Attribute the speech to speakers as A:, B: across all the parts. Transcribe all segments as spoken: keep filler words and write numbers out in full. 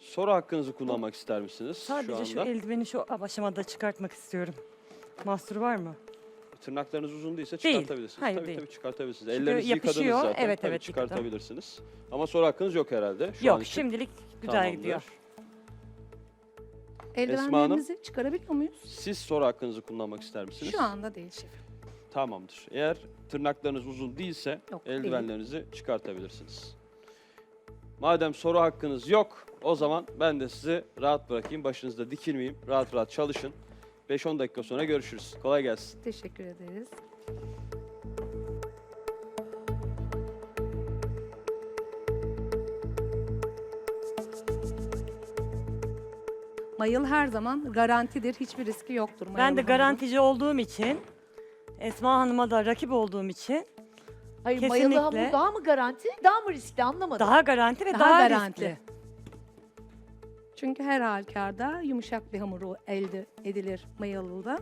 A: Soru hakkınızı kullanmak ister misiniz
B: Sadece
A: şu
B: şu,
A: anda?
B: eldiveni şu aşamada çıkartmak istiyorum. Mahsur var mı?
A: Tırnaklarınız uzun değilse
B: Değil.
A: çıkartabilirsiniz.
B: Hayır,
A: tabii
B: değil.
A: tabii çıkartabilirsiniz.
B: Çünkü
A: Ellerinizi yıkadınız
B: yapışıyor.
A: zaten.
B: Evet,
A: tabii
B: evet, yıkadım.
A: çıkartabilirsiniz. Ama soru hakkınız yok herhalde şu an
B: Yok,
A: için.
B: şimdilik güzel
A: Tamamdır.
B: gidiyor.
C: Eldivenlerimizi çıkarabiliyor muyuz?
A: Siz soru hakkınızı kullanmak ister misiniz?
C: Şu anda değil şefim.
A: Tamamdır. Eğer tırnaklarınız uzun değilse
C: Yok, değil.
A: eldivenlerinizi çıkartabilirsiniz. Madem soru hakkınız yok, o zaman ben de sizi rahat bırakayım. Başınızda dikilmeyeyim. Rahat rahat çalışın. beş on dakika sonra görüşürüz. Kolay gelsin.
C: Teşekkür ederiz. Mayıl her zaman garantidir. Hiçbir riski yoktur.
B: Ben
C: mayalı
B: de
C: hamurun.
B: garantici olduğum için, Esma Hanım'a da rakip olduğum için
D: Hayır
B: Kesinlikle.
D: mayalı hamur daha mı garanti, daha mı riskli anlamadım.
B: daha garanti ve
C: Daha
B: daha,
C: garanti.
B: riskli.
C: Çünkü her halükarda yumuşak bir hamuru elde edilir mayalıda.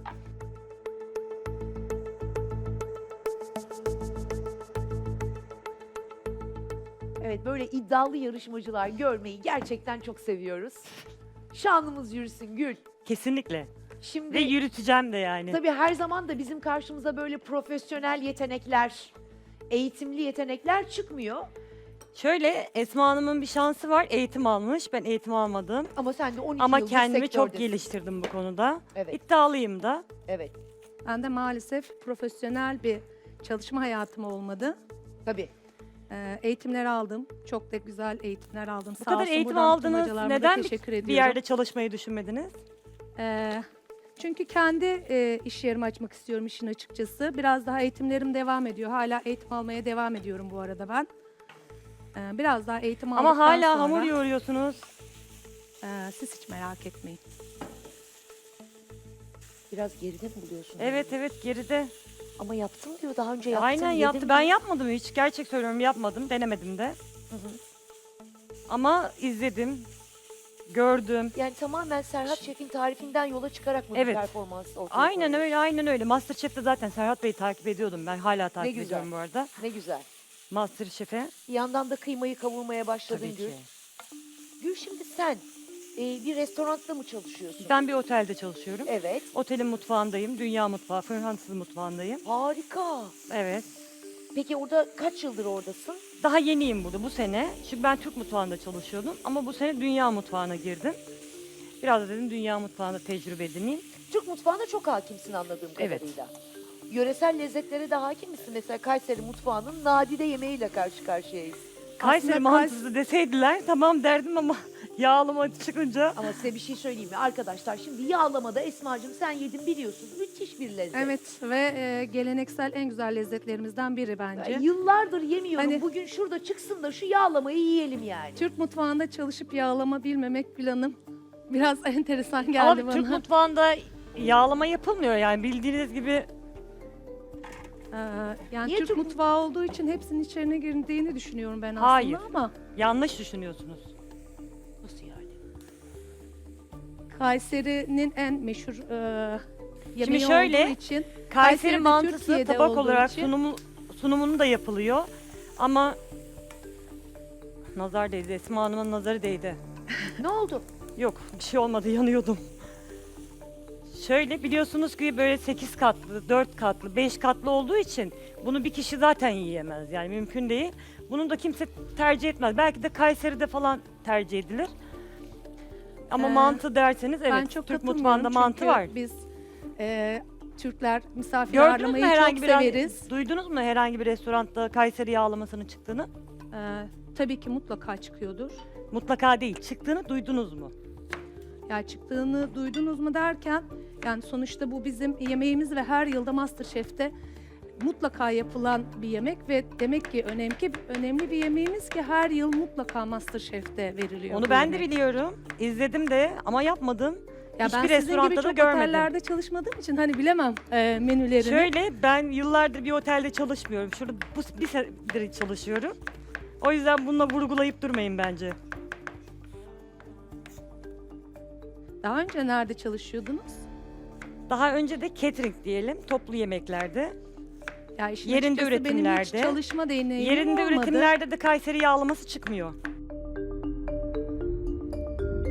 D: Evet, böyle iddialı yarışmacılar görmeyi gerçekten çok seviyoruz. Şanımız yürüsün Gül.
B: Kesinlikle.
D: Şimdi
B: Ve yürüteceğim de yani.
D: tabii her zaman da bizim karşımıza böyle profesyonel yetenekler, eğitimli yetenekler çıkmıyor.
B: Şöyle Esma Hanım'ın bir şansı var. Eğitim almış. Ben eğitim almadım.
D: Ama sen de on iki
B: Ama
D: yıldır
B: kendimi çok
D: sektördesin.
B: geliştirdim bu konuda.
D: Evet,
B: İddialıyım da.
D: evet.
C: Ben de maalesef profesyonel bir çalışma hayatım olmadı.
D: Tabii.
C: Ee, eğitimler aldım. Çok da güzel eğitimler aldım.
B: Bu
C: Sağ
B: kadar
C: olsun
B: eğitim
C: buradan tüm
B: aldınız.
C: hocalarıma da
B: Neden
C: teşekkür
B: bir
C: ediyorum.
B: yerde çalışmayı düşünmediniz?
C: Ee, çünkü kendi e, iş yerimi açmak istiyorum işin açıkçası. Biraz daha eğitimlerim devam ediyor. Hala eğitim almaya devam ediyorum bu arada ben. Ee, biraz daha eğitim aldıktan
B: Ama hala
C: sonra,
B: hamur yoğuruyorsunuz.
C: e, siz hiç merak etmeyin.
D: Biraz geride mi buluyorsun?
B: Evet evet geride.
D: Ama yaptım diyor, daha önce yaptım.
B: Aynen
D: yedim
B: yaptı. Ben
D: diyor.
B: yapmadım hiç. Gerçek söylüyorum yapmadım. Denemedim de.
D: Hı hı.
B: Ama izledim. Gördüm.
D: Yani tamamen Serhat Şef'in tarifinden yola çıkarak mı
B: Evet.
D: bir performans ortaya
B: Aynen
D: koyuyorsun?
B: öyle aynen öyle. Masterchef'te zaten Serhat Bey'i takip ediyordum ben. Hala takip
D: güzel.
B: ediyorum bu arada.
D: Ne güzel.
B: Masterchef'e.
D: Bir yandan da kıymayı kavurmaya başladın
B: Tabii
D: Gül.
B: ki.
D: Gül, şimdi sen e, bir restoranda mı çalışıyorsun?
B: Ben bir otelde çalışıyorum.
D: Evet.
B: Otelin mutfağındayım. Dünya mutfağı, Fransız mutfağındayım.
D: Harika.
B: Evet.
D: Peki orada kaç yıldır oradasın?
B: Daha yeniyim burada bu sene. Çünkü ben Türk mutfağında çalışıyordum. Ama bu sene dünya mutfağına girdim. Biraz da dedim dünya mutfağında tecrübe edineyim.
D: Türk mutfağına çok hakimsin anladığım
B: Evet.
D: kadarıyla. Yöresel lezzetlere de hakim misin? Mesela Kayseri mutfağının nadide yemeğiyle karşı karşıyayız.
B: Kayseri
C: Aslında
B: mantısı deseydiler tamam derdim ama yağlama çıkınca.
D: Ama size bir şey söyleyeyim mi arkadaşlar? Şimdi yağlamada Esma'cığım sen yedin biliyorsun. Müthiş bir lezzet.
C: Evet ve e, geleneksel en güzel lezzetlerimizden biri bence.
D: Ya yıllardır yemiyorum.
C: Hani-
D: Bugün şurada çıksın da şu yağlamayı yiyelim yani.
C: Türk mutfağında çalışıp yağlama bilmemek Gül Hanım biraz enteresan geldi
B: Ama
C: bana.
B: Türk mutfağında yağlama yapılmıyor yani bildiğiniz gibi.
C: Ee, yani
D: Niye
C: Türk
D: Türk-
C: mutfağı olduğu için hepsinin içerine girdiğini düşünüyorum ben aslında
B: Hayır.
C: ama
B: Yanlış düşünüyorsunuz.
D: Nasıl yani?
C: Kayseri'nin en meşhur e, yemeği
B: şöyle,
C: olduğu için
B: Kayseri
C: Kayseri'de,
B: mantısı
C: Türkiye'de
B: tabak
C: olduğu
B: olarak
C: için-
B: sunumu, sunumunu da yapılıyor. Ama nazar değdi. Esma Hanım'ın nazarı değdi.
D: Ne oldu?
B: Yok bir şey olmadı yanıyordum. Şöyle biliyorsunuz ki böyle sekiz katlı, dört katlı, beş katlı olduğu için bunu bir kişi zaten yiyemez. Yani mümkün değil. Bunu da kimse tercih etmez. Belki de Kayseri'de falan tercih edilir. Ama
C: Ee,
B: mantı derseniz evet
C: ben çok
B: Türk
C: katılmıyorum
B: mutfağında mantı
C: çünkü
B: var.
C: biz e, Türkler misafir
B: Gördünüz mü
C: ağırlamayı
B: herhangi
C: çok
B: bir
C: severiz.
B: duydunuz mu herhangi bir restoranda Kayseri yağlamasının çıktığını?
C: Ee, tabii ki mutlaka çıkıyordur.
B: Mutlaka değil. Çıktığını duydunuz mu?
C: Ya çıktığını duydunuz mu derken yani sonuçta bu bizim yemeğimiz ve her yılda MasterChef'te mutlaka yapılan bir yemek ve demek ki önemli önemli bir yemeğimiz ki her yıl mutlaka MasterChef'te veriliyor.
B: Onu
C: bu
B: ben de
C: yemek.
B: biliyorum. İzledim de ama yapmadım.
C: Ya
B: Hiçbir
C: ben sizin
B: restoranda
C: gibi
B: da
C: çok
B: görmedim.
C: otellerde çalışmadığım için hani bilemem e, menülerini.
B: Şöyle ben yıllardır bir otelde çalışmıyorum. Şurada bu bir senedir çalışıyorum. O yüzden bununla vurgulayıp durmayın bence.
C: Daha önce nerede çalışıyordunuz?
B: Daha önce de catering diyelim, toplu yemeklerde.
C: Ya işin
B: Yerinde
C: açıkçası benim hiç
B: üretimlerde,
C: çalışma deneyimim
B: Yerinde
C: olmadı.
B: üretimlerde de Kayseri yağlaması çıkmıyor.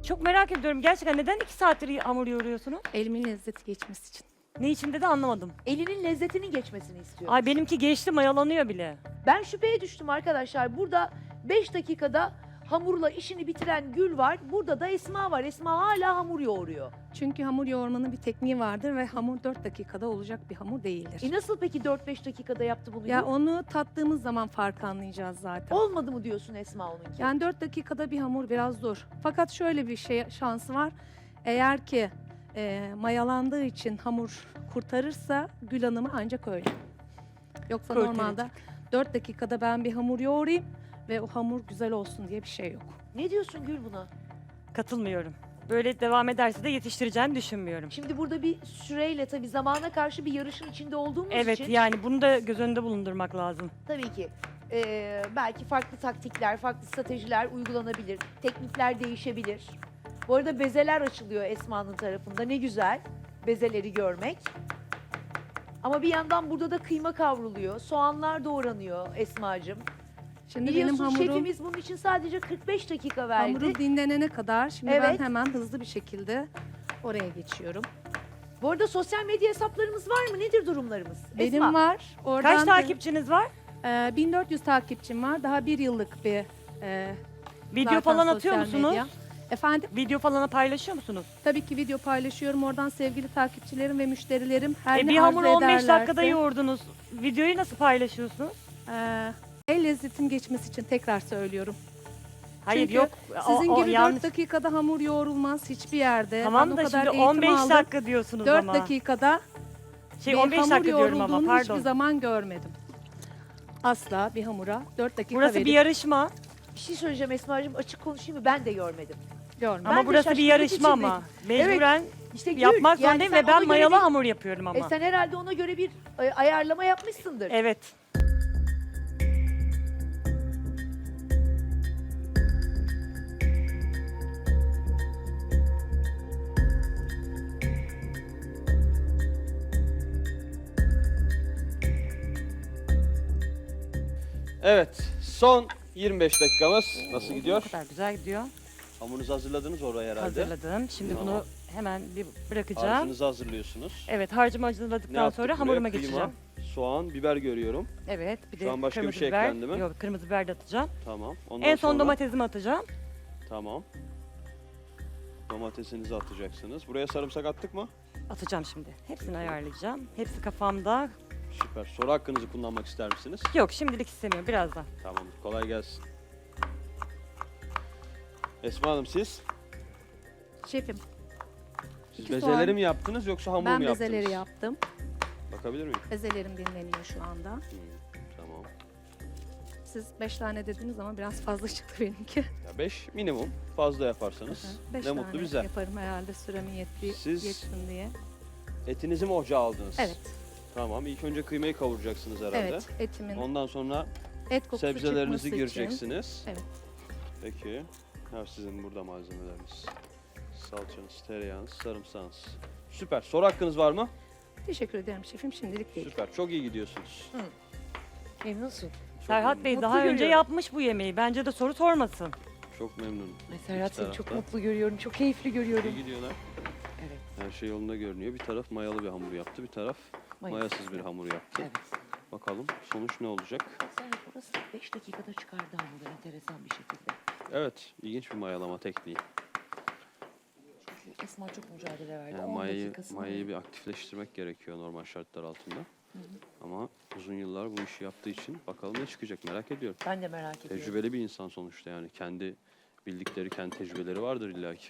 B: Çok merak ediyorum. Gerçekten neden iki saattir hamur yoğuruyorsunuz?
C: Elimin lezzeti geçmesi için.
B: Ne içinde de anlamadım.
D: Elinin lezzetinin geçmesini istiyorum.
B: Ay benimki geçti, mayalanıyor bile.
D: Ben şüpheye düştüm arkadaşlar. Burada beş dakikada hamurla işini bitiren Gül var. Burada da Esma var. Esma hala hamur yoğuruyor.
C: Çünkü hamur yoğurmanın bir tekniği vardır ve hamur dört dakikada olacak bir hamur değildir.
D: E nasıl peki dört beş dakikada yaptı bunu?
C: Ya
D: Gül?
C: onu tattığımız zaman fark anlayacağız zaten.
D: Olmadı mı diyorsun Esma onunki?
C: Yani dört dakikada bir hamur biraz zor. Fakat şöyle bir şey şansı var. Eğer ki e, mayalandığı için hamur kurtarırsa Gül Hanım'ı ancak öyle. Yoksa
B: Kurtaracak.
C: normalde dört dakikada ben bir hamur yoğurayım ve o hamur güzel olsun diye bir şey yok.
D: Ne diyorsun Gül buna?
B: Katılmıyorum. Böyle devam ederse de yetiştireceğini düşünmüyorum.
D: Şimdi burada bir süreyle tabii zamana karşı bir yarışın içinde olduğumuz
B: Evet
D: için
B: yani bunu da göz önünde bulundurmak lazım.
D: tabii ki e, belki farklı taktikler, farklı stratejiler uygulanabilir. Teknikler değişebilir. Bu arada bezeler açılıyor Esma'nın tarafında. Ne güzel bezeleri görmek. Ama bir yandan burada da kıyma kavruluyor. Soğanlar doğranıyor Esma'cığım.
C: Şimdi
D: Biliyorsun
C: benim hamurum,
D: şefimiz bunun için sadece kırk beş dakika verdi.
C: hamurum dinlenene kadar şimdi
D: Evet.
C: ben hemen hızlı bir şekilde oraya geçiyorum.
D: Bu arada sosyal medya hesaplarımız var mı? Nedir durumlarımız?
C: Benim
D: Esma.
C: var. Oradan
B: Kaç
C: da-
B: takipçiniz var?
C: Ee, bin dört yüz takipçim var. Daha bir yıllık bir e,
B: Video
C: zaten
B: falan atıyor
C: sosyal
B: musunuz?
C: medya. Efendim,
B: Video falan paylaşıyor musunuz?
C: tabii ki video paylaşıyorum. Oradan sevgili takipçilerim ve müşterilerim her
B: E,
C: ne
B: bir
C: arzu
B: hamuru on beş
C: ederlerse,
B: dakikada yoğurdunuz. Videoyu nasıl paylaşıyorsunuz?
C: e, el lezzetim geçmesi için tekrar söylüyorum.
B: Hayır
C: Çünkü
B: yok. o-
C: Sizin
B: o
C: gibi
B: yanlış.
C: dört dakikada hamur yoğrulmaz hiçbir yerde.
B: Tamam
C: Ben o
B: da
C: kadar
B: şimdi
C: eğitim
B: on beş
C: aldım.
B: dakika diyorsunuz
C: dört
B: ama.
C: dakikada
B: Şey
C: bir
B: on beş
C: hamur
B: dakika diyorum ama
C: yoğrulduğunu
B: pardon.
C: hiçbir zaman görmedim. Asla bir hamura dört dakika
B: Burası
C: verip
B: bir yarışma.
D: Bir şey söyleyeceğim Esma'cığım, açık konuşayım mı? Ben de görmedim.
C: görmedim.
D: Ben
B: Ama
D: de
B: burası bir
D: şaşkınlık
B: yarışma
D: içindeyim.
B: ama. Mecburen
D: İşte Gül,
B: yapmak
D: yani
B: zorundayım
D: sen
B: ve ben
D: ona göre
B: mayalı
D: bir-
B: hamur yapıyorum ama.
D: E sen herhalde ona göre bir e, ayarlama yapmışsındır.
B: Evet.
A: Evet, son yirmi beş dakikamız. Nasıl
B: Ne
A: gidiyor?
B: kadar güzel gidiyor.
A: Hamurunuzu hazırladınız oraya herhalde.
B: Hazırladım. Şimdi
A: Tamam.
B: bunu hemen bir bırakacağım.
A: Harcınızı hazırlıyorsunuz.
B: Evet harcımı
A: Ne
B: hazırladıktan
A: yaptık
B: sonra
A: buraya?
B: hamuruma
A: Kıyma,
B: geçeceğim.
A: soğan, biber görüyorum.
B: Evet bir
A: Şu
B: de
A: an başka bir
B: kırmızı
A: şey
B: biber.
A: eklendi mi?
B: Yok kırmızı biber de atacağım.
A: Tamam. Ondan
B: En son
A: sonra...
B: domatesimi atacağım.
A: Tamam. Domatesinizi atacaksınız. Buraya sarımsak attık mı?
B: Atacağım şimdi. Hepsini ayarlayacağım. Hepsi kafamda.
A: Süper. Soru hakkınızı kullanmak ister misiniz?
B: Yok şimdilik istemiyorum birazdan.
A: Tamam. Kolay gelsin. Esma Hanım siz?
C: Şefim,
A: Siz
C: İki
A: bezeleri
C: soğan.
A: mi yaptınız yoksa hamur
C: ben
A: mu yaptınız?
C: bezeleri yaptım.
A: Bakabilir miyim?
C: Bezelerim dinleniyor şu anda.
A: Hmm, tamam.
C: Siz beş tane dediniz ama biraz fazla çıktı benimki.
A: Ya beş minimum. Fazla yaparsanız
C: Beş
A: ne
C: tane
A: mutlu bize.
C: yaparım herhalde süremin yetti,
A: Siz-
C: yetsin diye.
A: Etinizi mi ocağa aldınız?
C: Evet,
A: Tamam. İlk önce kıymayı kavuracaksınız herhalde.
C: evet etimin
A: Ondan sonra
C: et kokusu
A: sebzelerinizi
C: çıkması için.
A: gireceksiniz.
C: Evet.
A: Peki. Ha, sizin burada malzemeleriniz. Salçanız, tereyağınız, sarımsağınız. Süper. Soru hakkınız var mı?
C: Teşekkür ederim şefim, şimdilik değil.
A: Süper. Çok iyi gidiyorsunuz.
D: Memnunsun.
A: Çok
B: Serhat Bey
D: Mutlu
B: daha önce
D: görüyorum.
B: yapmış bu yemeği. Bence de soru sormasın.
A: Çok memnunum.
D: Ay Serhat
A: İki
D: seni çok
A: tarafta.
D: mutlu görüyorum. Çok keyifli görüyorum.
A: İyi gidiyorlar.
D: Evet.
A: Her şey yolunda görünüyor. Bir taraf mayalı bir hamur yaptı, bir taraf mayasız bir hamur yaptı.
D: Evet.
A: Bakalım sonuç ne olacak?
D: Serhat orası beş dakikada çıkardı hamuru enteresan bir şekilde.
A: Evet, ilginç bir mayalama tekniği.
D: Çünkü Esma çok mücadele verdi.
A: Yani
D: on
A: mayayı,
D: dakikasını
A: mayayı bir aktifleştirmek gerekiyor normal şartlar altında. Ama uzun yıllar bu işi yaptığı için bakalım ne çıkacak merak ediyorum.
D: Ben de merak ediyorum.
A: Tecrübeli bir insan sonuçta yani. Kendi bildikleri, kendi tecrübeleri vardır illaki.